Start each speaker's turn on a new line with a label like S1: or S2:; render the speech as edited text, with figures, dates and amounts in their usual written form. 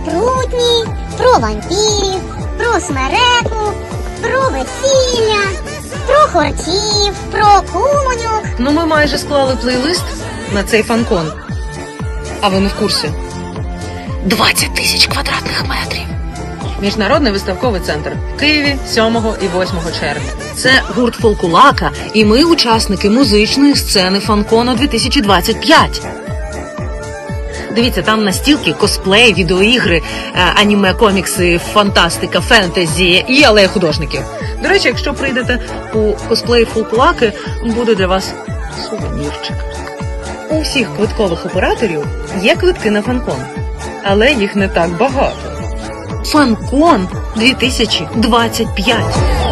S1: спрутні, про вампірів, про смереку, про весілля, про хортів, про кумоньок.
S2: Ну, ми майже склали плейлист на цей фанкон. А ви не в курсі? 20 тисяч квадратних метрів. Міжнародний виставковий центр в Києві 7 і 8 червня. Це гурт Фолкулака, і ми учасники музичної сцени Фанкону 2025. Дивіться, там настілки, косплей, відеоігри, аніме, комікси, фантастика, фентезі і алея художників. До речі, якщо прийдете у косплей Фолкулаки, буде для вас сувенірчик. У всіх квиткових операторів є квитки на Фанкон, але їх не так багато. Фанкон 2025.